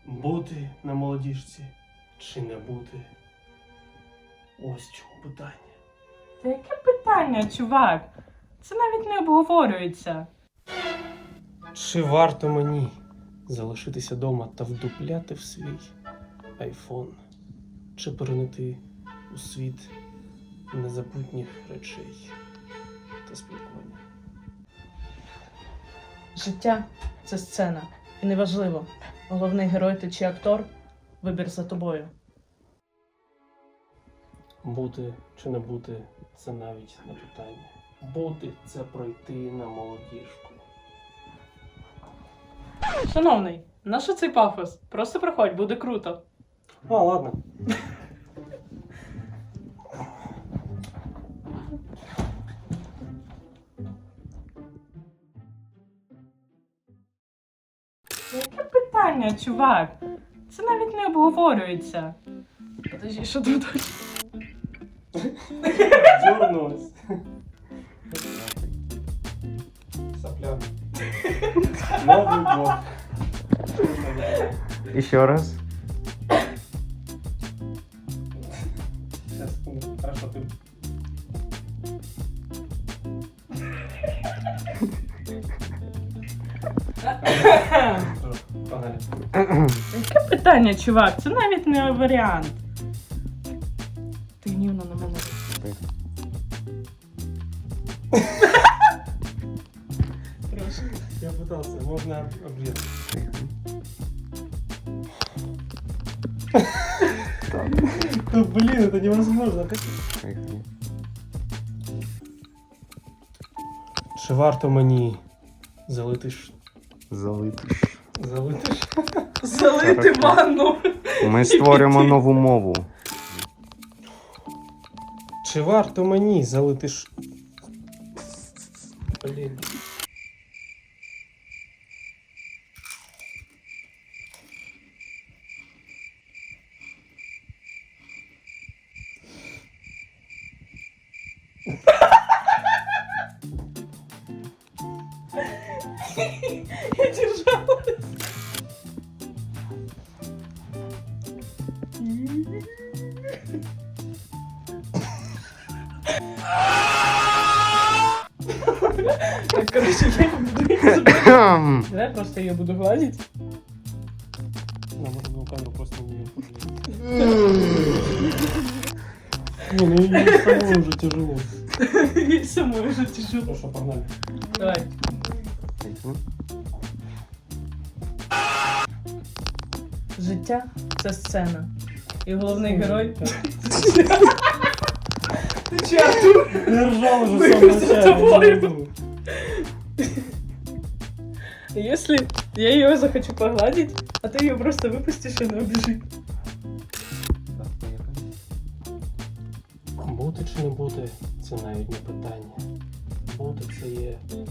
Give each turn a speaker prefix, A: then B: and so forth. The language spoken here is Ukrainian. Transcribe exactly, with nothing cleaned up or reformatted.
A: Бути на молодіжці чи не бути? Ось в чому питання.
B: Та яке питання, чувак? Це навіть не обговорюється.
A: Чи варто мені залишитися вдома та вдупляти в свій айфон? Чи перенити у світ незабутніх речей та спілкування?
B: Життя – це сцена. І неважливо, головний герой ти чи актор, вибір за тобою.
A: Бути чи не бути – це навіть не питання. Бути – це пройти на молодіжку.
B: Шановний, на що цей пафос? Просто проходь, буде круто.
A: А, ладно.
B: Яке питання, чувак? Це навіть не обговорюється. Подожди, що тут?
A: Дернулась. Сопля. Новый год.
C: Еще раз.
A: Сейчас, секунду. Хорошо, ты... Погнали.
B: Яке питання, чувак? Це навіть не варіант. Ти гнівно на мене. Трошки.
A: Я пытался, можно обрезать. Ну блин, это невозможно. Чи варто мені залити ш...
C: Залити.
A: залити ш...
B: Залити ванну.
C: Ми створюємо нову мову.
A: Чи варто мені залити ш... Блін.
B: Я держалась. Так, короче, я не буду її забирати. Давай просто ее буду гладить.
A: Нам можно камеру просто не Не, ну ей самой уже тяжело.
B: Ей самой уже тяжело.
A: Хорошо, погнали.
B: Давай. Життя – це сцена. І головний герой. Чату.
A: Я ржал уже
B: Мы
A: в самом
B: за
A: начале.
B: тобой.
A: я не могу.
B: Если я ее захочу погладить, а ты ее просто выпустишь, и она убежит.
A: Бути чи не бути – це навіть не питання. Бути – це є